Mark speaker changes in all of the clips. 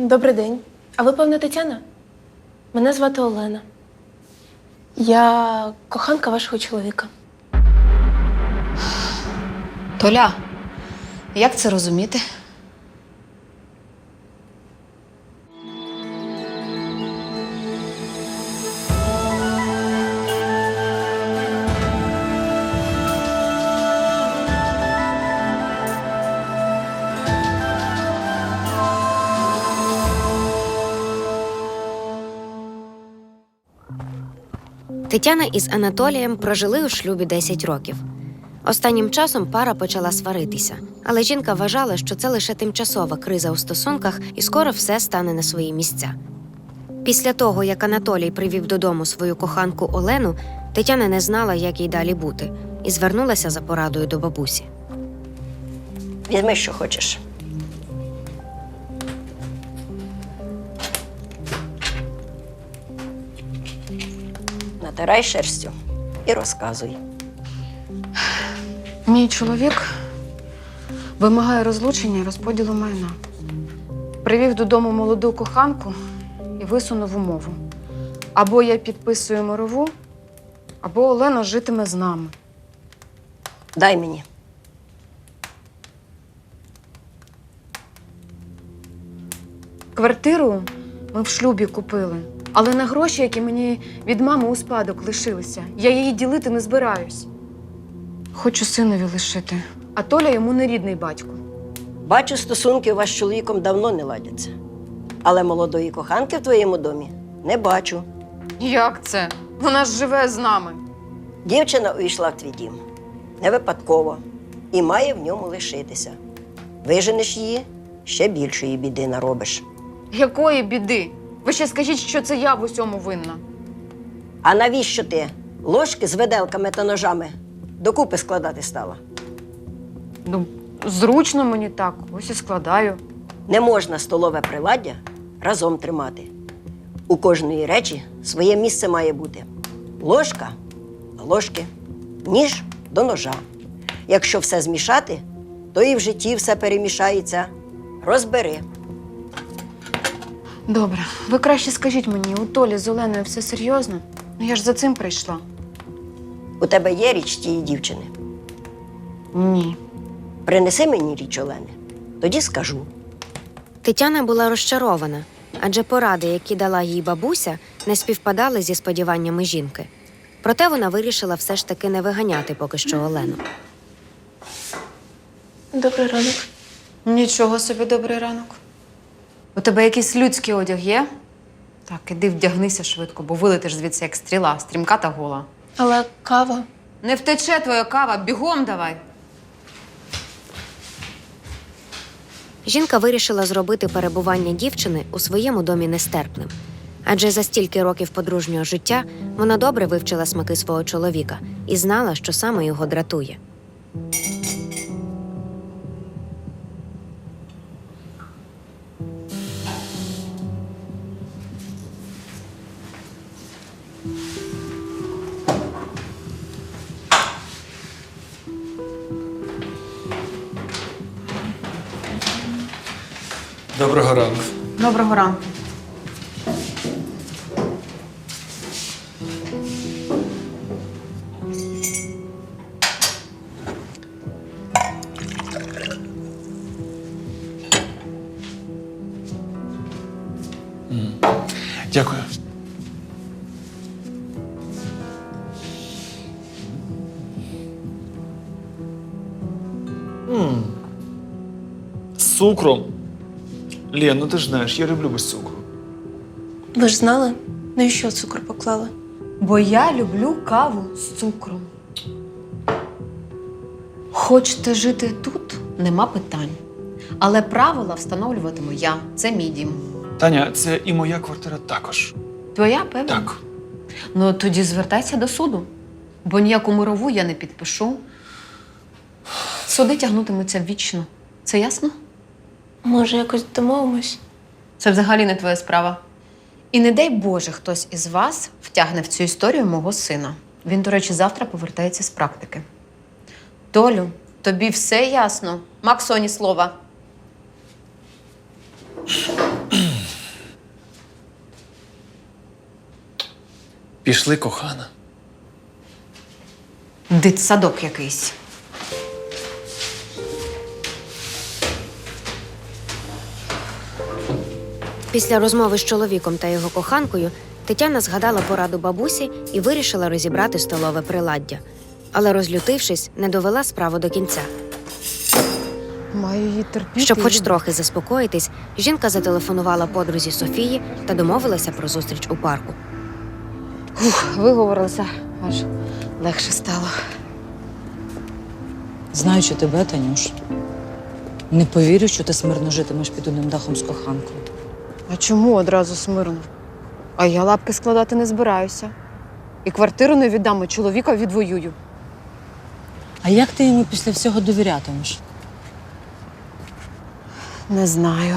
Speaker 1: Добрий день. А ви, певно, Тетяна? Мене звати Олена. Я коханка вашого чоловіка.
Speaker 2: Толя, як це розуміти?
Speaker 3: Тетяна із Анатолієм прожили у шлюбі 10 років. Останнім часом пара почала сваритися, але жінка вважала, що це лише тимчасова криза у стосунках і скоро все стане на свої місця. Після того, як Анатолій привів додому свою коханку Олену, Тетяна не знала, як їй далі бути, і звернулася за порадою до бабусі.
Speaker 4: Візьми, що хочеш. Натирай шерстю і розказуй.
Speaker 2: Мій чоловік вимагає розлучення і розподілу майна. Привів додому молоду коханку і висунув умову. Або я підписую мирову, або Олена житиме з нами.
Speaker 4: Дай мені.
Speaker 2: Квартиру ми в шлюбі купили, але на гроші, які мені від мами у спадок лишилися, я її ділити не збираюсь. Хочу синові лишити, а Толя йому не рідний батько.
Speaker 4: Бачу, стосунки у вас з чоловіком давно не ладяться. Але молодої коханки в твоєму домі не бачу.
Speaker 2: Як це? Вона ж живе з нами.
Speaker 4: Дівчина увійшла в твій дім. Не випадково. І має в ньому лишитися. Виженеш її, ще більшої біди наробиш.
Speaker 2: Якої біди? Ви ще скажіть, що це я в усьому винна.
Speaker 4: А навіщо ти ложки з виделками та ножами докупи складати стала?
Speaker 2: Ну, зручно мені так, ось і складаю.
Speaker 4: Не можна столове приладдя разом тримати. У кожної речі своє місце має бути. Ложка до ложки, ніж до ножа. Якщо все змішати, то і в житті все перемішається. Розбери.
Speaker 2: Добре, ви краще скажіть мені, у Толі з Оленою все серйозно? Ну я ж за цим прийшла.
Speaker 4: У тебе є річ тієї дівчини?
Speaker 2: Ні.
Speaker 4: Принеси мені річ Олени, тоді скажу.
Speaker 3: Тетяна була розчарована, адже поради, які дала їй бабуся, не співпадали зі сподіваннями жінки. Проте вона вирішила все ж таки не виганяти поки що Олену.
Speaker 1: Добрий ранок.
Speaker 2: Нічого собі, добрий ранок. У тебе якийсь людський одяг є? Так, іди вдягнися швидко, бо вилетиш звідси як стріла, стрімка та гола.
Speaker 1: Але кава.
Speaker 2: Не втече твоя кава, бігом давай.
Speaker 3: Жінка вирішила зробити перебування дівчини у своєму домі нестерпним. Адже за стільки років подружнього життя вона добре вивчила смаки свого чоловіка і знала, що саме його дратує.
Speaker 5: Доброго ранку.
Speaker 2: Доброго ранку.
Speaker 5: Дякую. З цукром. Лен, ну ти ж знаєш, я люблю без цукру.
Speaker 1: Ви ж знали, навіщо цукор поклали?
Speaker 2: Бо я люблю каву з цукром. Хочете жити тут? Нема питань. Але правила встановлюватиму я. Це мій дім.
Speaker 5: Таня, це і моя квартира також.
Speaker 2: Твоя, певно?
Speaker 5: Так.
Speaker 2: Ну, тоді звертайся до суду. Бо ніяку мирову я не підпишу. Суди тягнутимуться вічно. Це ясно?
Speaker 1: Може, якось домовимось?
Speaker 2: Це взагалі не твоя справа. І не дай Боже, хтось із вас втягне в цю історію мого сина. Він, до речі, завтра повертається з практики. Толю, тобі все ясно? Максоні слова.
Speaker 5: Пішли, кохана.
Speaker 2: Дитсадок якийсь.
Speaker 3: Після розмови з чоловіком та його коханкою Тетяна згадала пораду бабусі і вирішила розібрати столове приладдя. Але, розлютившись, не довела справу до кінця.
Speaker 2: Маю її терпіти.
Speaker 3: Щоб хоч трохи заспокоїтись, жінка зателефонувала подрузі Софії та домовилася про зустріч у парку.
Speaker 2: Виговорилася, аж легше стало.
Speaker 6: Знаючи тебе, Танюш, не повірю, що ти смирно житимеш під одним дахом з коханкою.
Speaker 2: А чому одразу смирно? А я лапки складати не збираюся. І квартиру не віддам, і чоловіка відвоюю.
Speaker 6: А як ти йому після всього довірятимеш?
Speaker 2: Не знаю.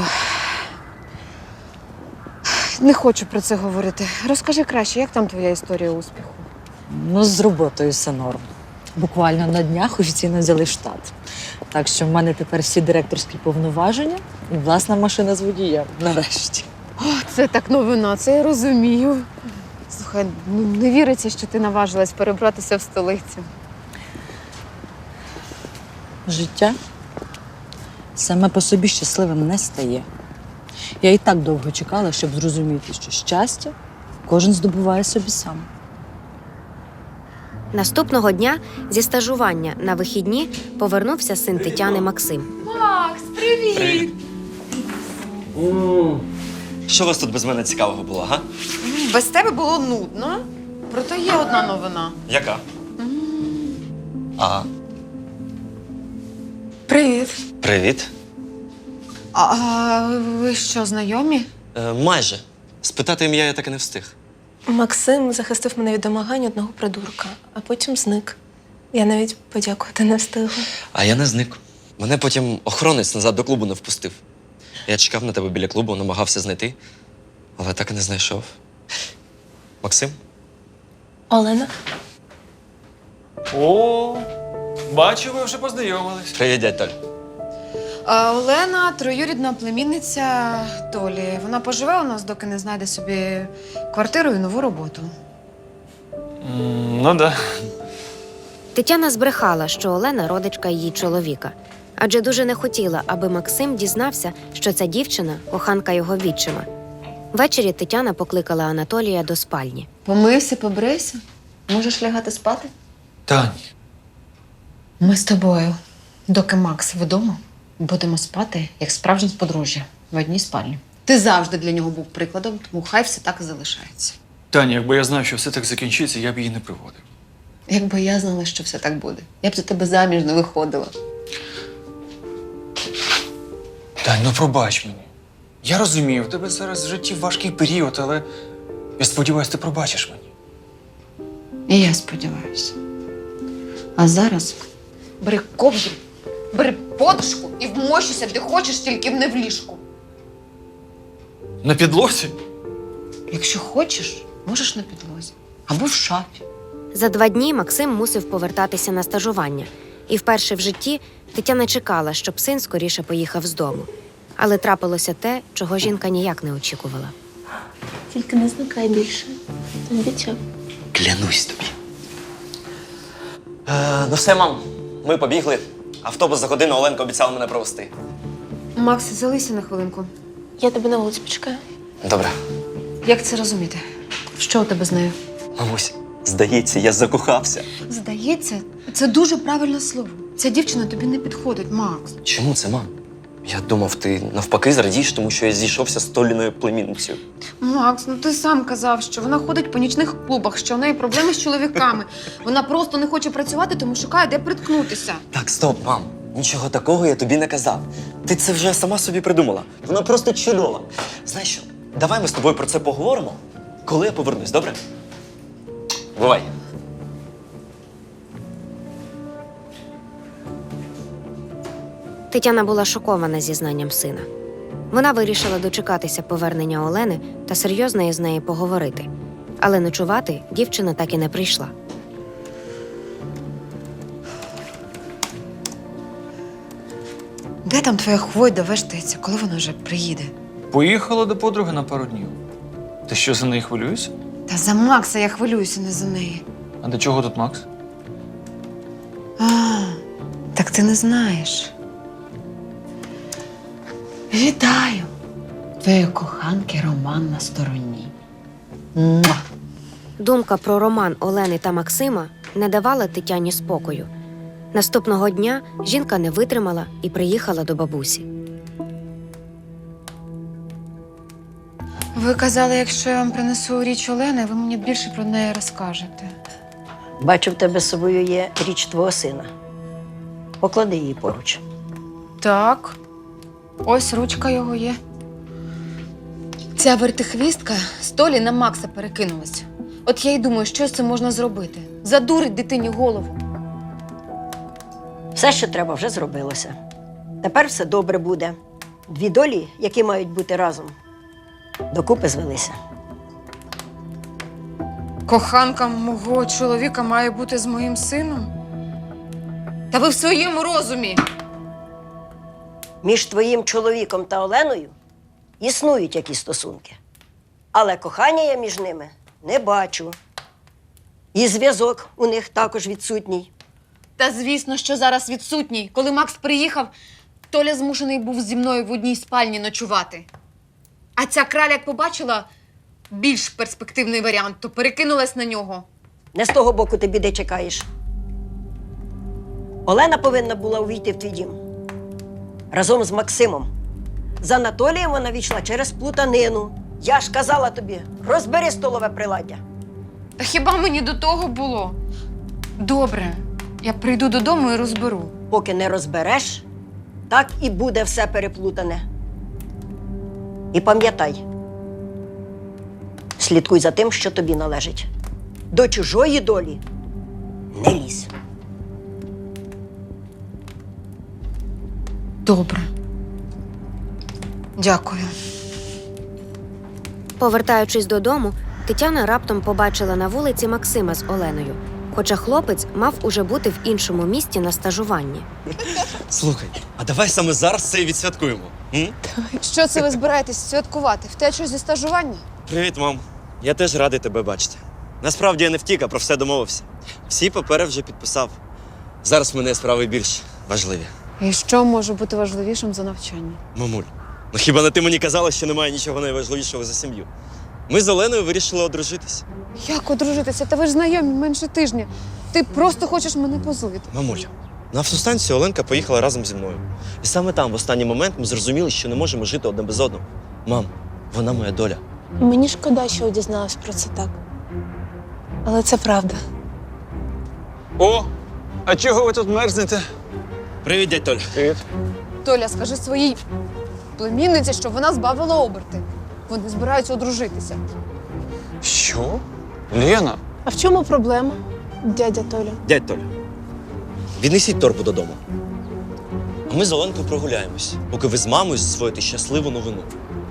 Speaker 2: Не хочу про це говорити. Розкажи краще, як там твоя історія успіху?
Speaker 6: Ну, з роботою все норм. Буквально на днях офіційно взяли штат. Так що в мене тепер всі директорські повноваження і власна машина з водієм. Нарешті.
Speaker 2: Це так новина, це я розумію. Слухай, ну не віриться, що ти наважилась перебратися в столицю.
Speaker 6: Життя саме по собі щасливим не стає. Я і так довго чекала, щоб зрозуміти, що щастя кожен здобуває собі сам.
Speaker 3: Наступного дня зі стажування на вихідні повернувся син Тетяни Максим.
Speaker 7: Що у вас тут без мене цікавого було, га?
Speaker 2: Без тебе було нудно, проте є одна новина.
Speaker 7: Яка? Ага.
Speaker 2: Привіт.
Speaker 7: Привіт.
Speaker 2: А ви що, знайомі?
Speaker 7: Майже. Спитати ім'я я так і не встиг.
Speaker 1: Максим захистив мене від домагань одного придурка, а потім зник. Я навіть подякувати не встигла.
Speaker 7: А я не зник. Мене потім охоронець назад до клубу не впустив. Я чекав на тебе біля клубу, намагався знайти, але так і не знайшов. Максим?
Speaker 1: Олена?
Speaker 5: О, бачу, ви вже познайомились.
Speaker 7: Привіт, дядь Толь.
Speaker 2: Олена троюрідна племінниця Толі. Вона поживе у нас, доки не знайде собі квартиру і нову роботу.
Speaker 5: Ну да.
Speaker 3: Тетяна збрехала, що Олена родичка її чоловіка, адже дуже не хотіла, аби Максим дізнався, що ця дівчина – коханка його відчима. Ввечері Тетяна покликала Анатолія до спальні.
Speaker 2: Помився, побрийся. Можеш лягати спати?
Speaker 5: Тань,
Speaker 2: Ми з тобою, доки Макс вдома, будемо спати, як справжні подружжя, в одній спальні. Ти завжди для нього був прикладом, тому хай все так і залишається.
Speaker 5: Таня, якби я знав, що все так закінчиться, я б її не приводив.
Speaker 2: Якби я знала, що все так буде, я б за тебе заміж не виходила.
Speaker 5: Тань, ну пробач мені. Я розумію, в тебе зараз в житті важкий період, але я сподіваюся, ти пробачиш мені.
Speaker 2: І я сподіваюся. А зараз бери ковдру, бери подушку і вмощуйся, де хочеш, тільки не в ліжку.
Speaker 5: На підлозі?
Speaker 2: Якщо хочеш, можеш на підлозі або в шафі.
Speaker 3: За 2 дні Максим мусив повертатися на стажування. І вперше в житті Тетяна чекала, щоб син скоріше поїхав з дому. Але трапилося те, чого жінка ніяк не очікувала.
Speaker 1: Тільки не зникай більше. Обіцяв.
Speaker 7: Клянусь тобі. Ну все, мам, ми побігли. Автобус за годину Оленка обіцяла мене провести.
Speaker 2: Макс, залися на хвилинку.
Speaker 1: Я тебе на вулиці почекаю.
Speaker 7: Добре.
Speaker 2: Як це розуміти? Що у тебе з нею?
Speaker 7: Мамусь, здається, я закохався.
Speaker 2: Здається, це дуже правильне слово. Ця дівчина тобі не підходить, Макс.
Speaker 7: Чому це, мам? Я думав, ти навпаки зрадієш, тому що я зійшовся з Толіною племінницею.
Speaker 2: Макс, ну ти сам казав, що вона ходить по нічних клубах, що в неї проблеми з чоловіками. Вона просто не хоче працювати, тому шукає, де приткнутися.
Speaker 7: Так, стоп, мам. Нічого такого я тобі не казав. Ти це вже сама собі придумала. Вона просто чудова. Знаєш що, давай ми з тобою про це поговоримо, коли я повернусь, добре? Бувай.
Speaker 3: Тетяна була шокована зізнанням сина. Вона вирішила дочекатися повернення Олени та серйозно із нею поговорити. Але ночувати дівчина так і не прийшла.
Speaker 2: Де там твоя хвойда вештається, коли вона вже приїде?
Speaker 5: Поїхала до подруги на пару днів. Ти що, за неї хвилюєшся?
Speaker 2: Та за Макса я хвилююся, не за неї.
Speaker 5: А до чого тут Макс?
Speaker 2: А, так ти не знаєш. Вітаю! Твоєї коханки Роман на стороні. Муа!
Speaker 3: Думка про роман Олени та Максима не давала Тетяні спокою. Наступного дня жінка не витримала і приїхала до бабусі.
Speaker 2: Ви казали, якщо я вам принесу річ Олени, ви мені більше про неї розкажете.
Speaker 4: Бачу, в тебе з собою є річ твого сина. Поклади її поруч.
Speaker 2: Так, ось ручка його є. Ця вертихвістка з Толі на Макса перекинулась. От я й думаю, що з цим можна зробити? Задурить дитині голову.
Speaker 4: Все, що треба, вже зробилося. Тепер все добре буде. Дві долі, які мають бути разом, докупи звелися.
Speaker 2: Коханка мого чоловіка має бути з моїм сином? Та ви в своєму розумі.
Speaker 4: Між твоїм чоловіком та Оленою існують якісь стосунки. Але кохання я між ними не бачу. І зв'язок у них також відсутній.
Speaker 2: Та звісно, що зараз відсутній. Коли Макс приїхав, Толя змушений був зі мною в одній спальні ночувати. А ця краля, як побачила більш перспективний варіант, то перекинулась на нього.
Speaker 4: Не з того боку ти біди чекаєш. Олена повинна була увійти в твій дім. Разом з Максимом. З Анатолієм вона війшла через плутанину. Я ж казала тобі, розбери столове приладдя.
Speaker 2: Та хіба мені до того було? Добре, я прийду додому і розберу.
Speaker 4: Поки не розбереш, так і буде все переплутане. І пам'ятай, слідкуй за тим, що тобі належить. До чужої долі не лізь.
Speaker 2: Добре. Дякую.
Speaker 3: Повертаючись додому, Тетяна раптом побачила на вулиці Максима з Оленою, хоча хлопець мав уже бути в іншому місті на стажуванні.
Speaker 7: Слухай, а давай саме зараз це і відсвяткуємо. М?
Speaker 2: Що це ви збираєтесь святкувати? Втечу зі стажування?
Speaker 7: Привіт, мам. Я теж радий тебе бачити. Насправді я не втік, а про все домовився. Всі папери вже підписав. Зараз в мене справи більш важливі.
Speaker 2: І що може бути важливішим за навчання?
Speaker 7: Мамуль, ну хіба не ти мені казала, що немає нічого найважливішого за сім'ю? Ми з Оленою вирішили одружитись.
Speaker 2: Як одружитися? Та ви ж знайомі менше тижня. Ти просто хочеш мене позлити.
Speaker 7: Мамуль, на автостанцію Оленка поїхала разом зі мною. І саме там, в останній момент, ми зрозуміли, що не можемо жити одне без одного. Мам, вона моя доля.
Speaker 1: Мені шкода, що дізналась про це так. Але це правда.
Speaker 5: О! А чого ви тут мерзнете?
Speaker 7: Привіт, дядь Толь.
Speaker 5: Привіт.
Speaker 2: Толя, скажи своїй племінниці, щоб вона збавила оберти. Вони збираються одружитися.
Speaker 5: Що? Лена?
Speaker 1: А в чому проблема, дядя Толя?
Speaker 7: Дядь Толь, віднесіть торбу додому. А ми з Оленкою прогуляємось, поки ви з мамою засвоїте щасливу новину.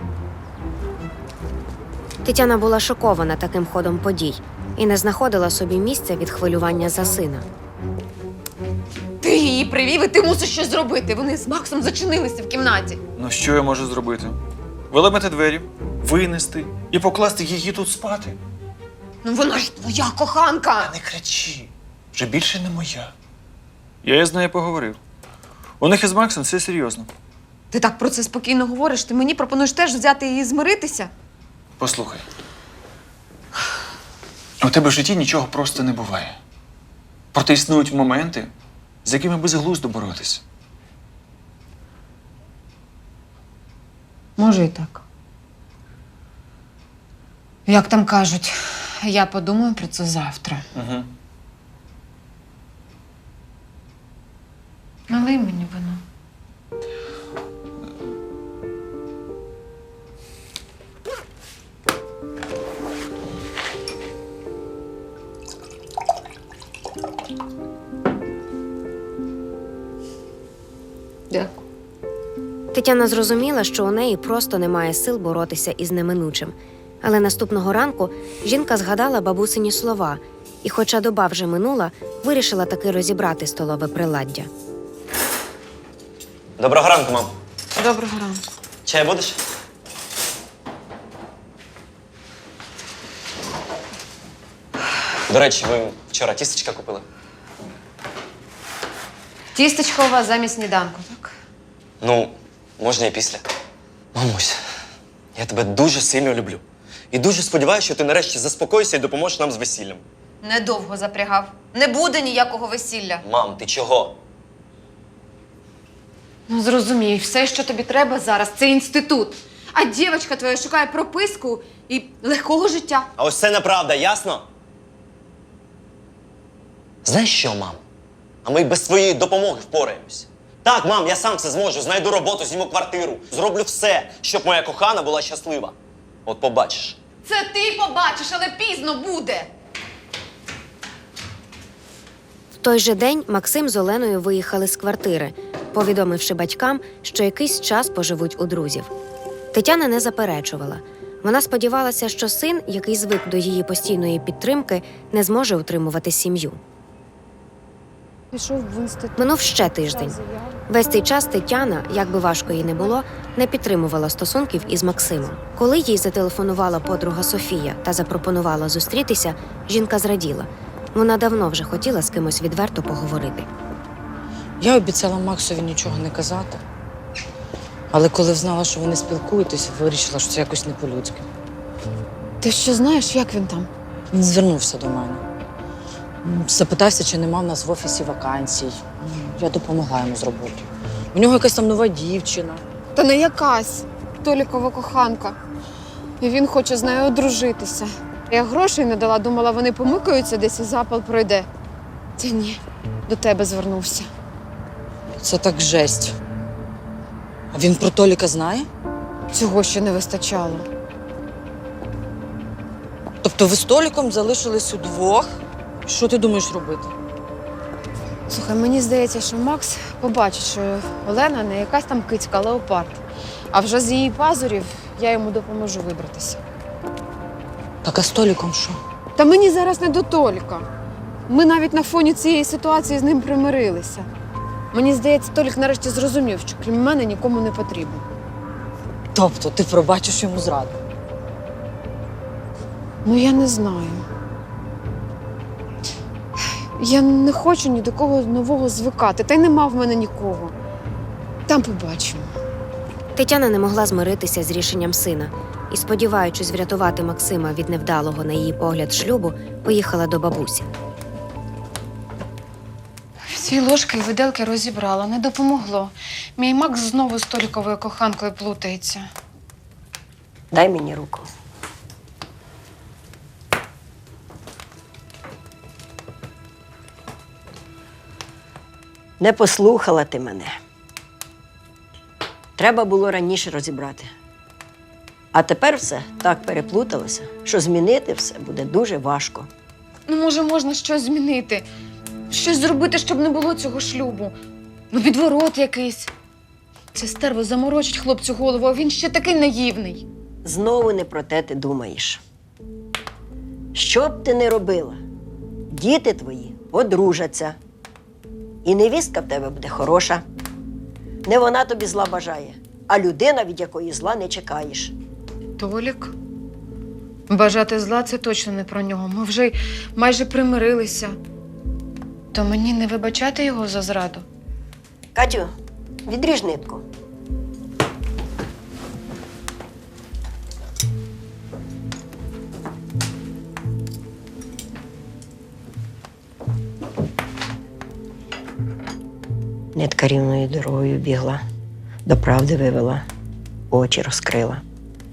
Speaker 3: Тетяна була шокована таким ходом подій і не знаходила собі місця від хвилювання за сина.
Speaker 2: Ти її привів, і ти мусиш щось зробити. Вони з Максом зачинилися в кімнаті.
Speaker 5: Ну що я можу зробити? Виламати двері, винести і покласти її тут спати.
Speaker 2: Ну вона ж твоя коханка.
Speaker 5: Не кричи, вже більше не моя. Я з нею поговорив. У них із Максом все серйозно.
Speaker 2: Ти так про це спокійно говориш. Ти мені пропонуєш теж взяти її і змиритися?
Speaker 5: Послухай. У тебе в житті нічого просто не буває. Проте існують моменти, з якими безглуздо боротися.
Speaker 2: Може і так. Як там кажуть, я подумаю про це завтра.
Speaker 5: Угу.
Speaker 2: Налий мені вино. Дякую.
Speaker 3: Тетяна зрозуміла, що у неї просто немає сил боротися із неминучим. Але наступного ранку жінка згадала бабусині слова і, хоча доба вже минула, вирішила таки розібрати столове приладдя.
Speaker 7: Доброго ранку, мам.
Speaker 2: Доброго ранку.
Speaker 7: Чай будеш? До речі, ви вчора тістечка купили?
Speaker 2: Тістечко у вас замість сніданку, так?
Speaker 7: Ну, можна і після. Мамусь, я тебе дуже сильно люблю. І дуже сподіваюся, що ти нарешті заспокоїшся і допоможеш нам з весіллям.
Speaker 2: Недовго запрягав. Не буде ніякого весілля.
Speaker 7: Мам, ти чого?
Speaker 2: Ну, зрозумій, все, що тобі треба зараз, це інститут. А дівчинка твоя шукає прописку і легкого життя.
Speaker 7: А ось це неправда, ясно? Знаєш що, мам? А ми й без твоєї допомоги впораємось. Так, мам, я сам все зможу, знайду роботу, зніму квартиру. Зроблю все, щоб моя кохана була щаслива. От побачиш.
Speaker 2: Це ти побачиш, але пізно буде.
Speaker 3: В той же день Максим з Оленою виїхали з квартири, повідомивши батькам, що якийсь час поживуть у друзів. Тетяна не заперечувала. Вона сподівалася, що син, який звик до її постійної підтримки, не зможе утримувати сім'ю.
Speaker 2: Пішов в інститут.
Speaker 3: Минув ще тиждень. Весь цей час Тетяна, як би важко їй не було, не підтримувала стосунків із Максимом. Коли їй зателефонувала подруга Софія та запропонувала зустрітися, жінка зраділа. Вона давно вже хотіла з кимось відверто поговорити.
Speaker 6: Я обіцяла Максові нічого не казати. Але коли взнала, що вони спілкуєтесь, вирішила, що це якось не по-людськи.
Speaker 2: Ти що знаєш, як він там?
Speaker 6: Він звернувся до мене. Запитався, чи нема в нас в офісі вакансій. Я допомогла йому з роботою. У нього якась там нова дівчина.
Speaker 2: Та не якась. Толікова коханка. І він хоче з нею одружитися. Я грошей не дала, думала, вони помикаються десь і запал пройде. Та ні, до тебе звернувся.
Speaker 6: Це так жесть. А він про Толіка знає?
Speaker 2: Цього ще не вистачало.
Speaker 6: Тобто ви з Толіком залишились удвох? Що ти думаєш робити?
Speaker 2: Слухай, мені здається, що Макс побачить, що Олена не якась там кицька, а леопард. А вже з її пазурів я йому допоможу вибратися.
Speaker 6: Так а з Толіком що?
Speaker 2: Та мені зараз не до Толіка. Ми навіть на фоні цієї ситуації з ним примирилися. Мені здається, Толік нарешті зрозумів, що крім мене нікому не потрібен.
Speaker 6: Тобто ти пробачиш йому зраду?
Speaker 2: Ну, я не знаю. Я не хочу ні до кого нового звикати, та й нема в мене нікого. Там побачимо.
Speaker 3: Тетяна не могла змиритися з рішенням сина і, сподіваючись врятувати Максима від невдалого, на її погляд, шлюбу, поїхала до бабусі.
Speaker 2: Всі ложки і виделки розібрала, не допомогло. Мій Макс знову з Толіковою коханкою плутається.
Speaker 4: Дай мені руку. Не послухала ти мене. Треба було раніше розібрати. А тепер все так переплуталося, що змінити все буде дуже важко.
Speaker 2: Ну, може, можна щось змінити? Щось зробити, щоб не було цього шлюбу? Ну, відворот якийсь. Це стерво заморочить хлопцю голову, а він ще такий наївний.
Speaker 4: Знову не про те ти думаєш. Що б ти не робила, діти твої одружаться. І невістка в тебе буде хороша. Не вона тобі зла бажає, а людина, від якої зла не чекаєш.
Speaker 2: Толік? Бажати зла – це точно не про нього. Ми вже майже примирилися. То мені не вибачати його за зраду?
Speaker 4: Катю, відріж нитку. Нитка рівною дорогою бігла, до правди вивела, очі розкрила.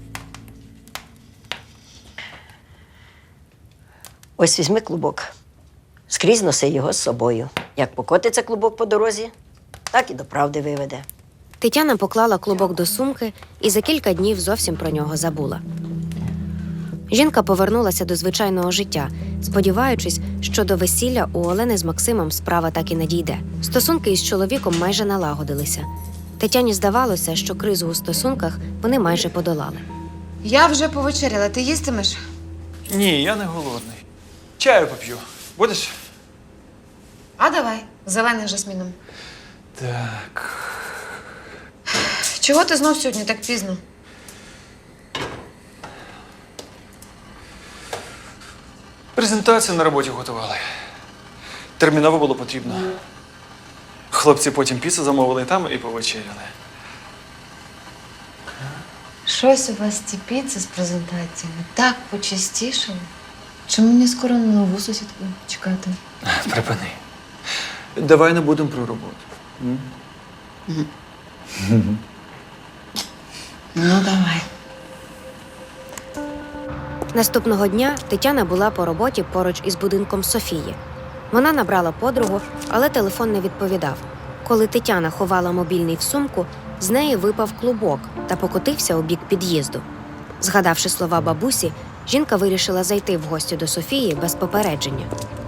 Speaker 4: Ось візьми клубок. Скрізь носи його з собою. Як покотиться клубок по дорозі, так і до правди виведе.
Speaker 3: Тетяна поклала клубок до сумки і за кілька днів зовсім про нього забула. Жінка повернулася до звичайного життя, сподіваючись, що до весілля у Олени з Максимом справа так і не дійде. Стосунки із чоловіком майже налагодилися. Тетяні здавалося, що кризу у стосунках вони майже подолали.
Speaker 2: Я вже повечеряла. Ти їстимеш?
Speaker 5: Ні, я не голодний. Чаю поп'ю. Будеш?
Speaker 2: А давай, зелений з жасміном.
Speaker 5: Так.
Speaker 2: Чого ти знов сьогодні так пізно?
Speaker 5: Презентацію на роботі готували. Терміново було потрібно. Хлопці потім піцу замовили там і повечеряли.
Speaker 2: Щось у вас ці піци з презентаціями так почастішали. Чи мені скоро на нову сусідку чекати?
Speaker 5: Припини. Давай не будемо про роботу.
Speaker 2: Ну, давай.
Speaker 3: Наступного дня Тетяна була по роботі поруч із будинком Софії. Вона набрала подругу, але телефон не відповідав. Коли Тетяна ховала мобільний в сумку, з неї випав клубок та покотився у бік під'їзду. Згадавши слова бабусі, жінка вирішила зайти в гості до Софії без попередження.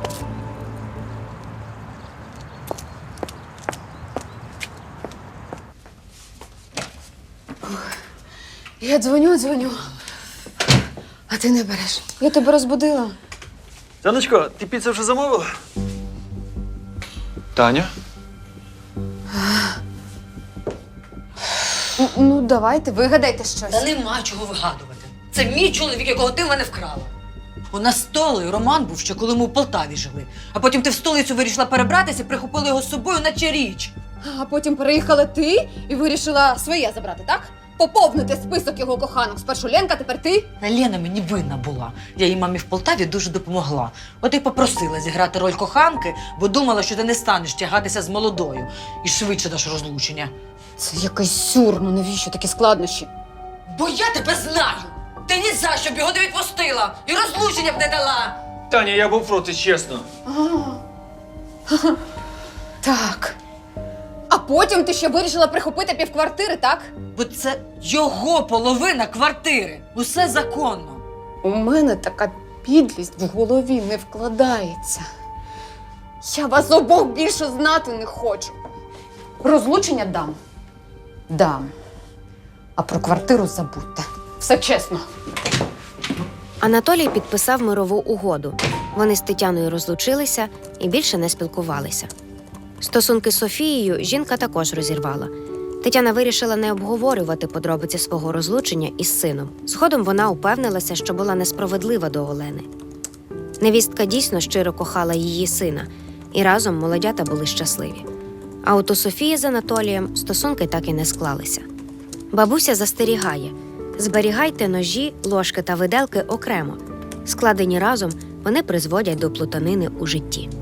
Speaker 2: Я дзвоню, а ти не береш. Я тебе розбудила.
Speaker 5: Жаночко, ти піцу вже замовила? Таня?
Speaker 2: Ну, давайте, вигадайте щось.
Speaker 6: Та нема чого вигадувати. Це мій чоловік, якого ти в мене вкрала. У нас з Толею роман був ще коли ми у Полтаві жили. А потім ти в столицю вирішила перебратися, прихопила його з собою, наче річ.
Speaker 2: А потім переїхала ти і вирішила своє забрати, так? Поповнити список його коханок. Спершу Ленка, тепер ти.
Speaker 6: Та Лена мені винна була. Я їй мамі в Полтаві дуже допомогла. От і попросила зіграти роль коханки, бо думала, що ти не станеш тягатися з молодою і швидше даш розлучення.
Speaker 2: Це якийсь сюр, ну навіщо такі складнощі?
Speaker 6: Бо я тебе знаю! Ти ні за що б його не відпустила і розлучення б не дала!
Speaker 5: Таня, я був проти, чесно.
Speaker 2: Так. А потім ти ще вирішила прихопити півквартири, так?
Speaker 6: Бо це його половина квартири. Усе законно.
Speaker 2: У мене така підлість в голові не вкладається. Я вас обох більше знати не хочу. Розлучення дам. Дам. А про квартиру забудьте. Все чесно.
Speaker 3: Анатолій підписав мирову угоду. Вони з Тетяною розлучилися і більше не спілкувалися. Стосунки з Софією жінка також розірвала. Тетяна вирішила не обговорювати подробиці свого розлучення із сином. Згодом вона упевнилася, що була несправедлива до Олени. Невістка дійсно щиро кохала її сина, і разом молодята були щасливі. А от у Софії з Анатолієм стосунки так і не склалися. Бабуся застерігає: зберігайте ножі, ложки та виделки окремо. Складені разом, вони призводять до плутанини у житті.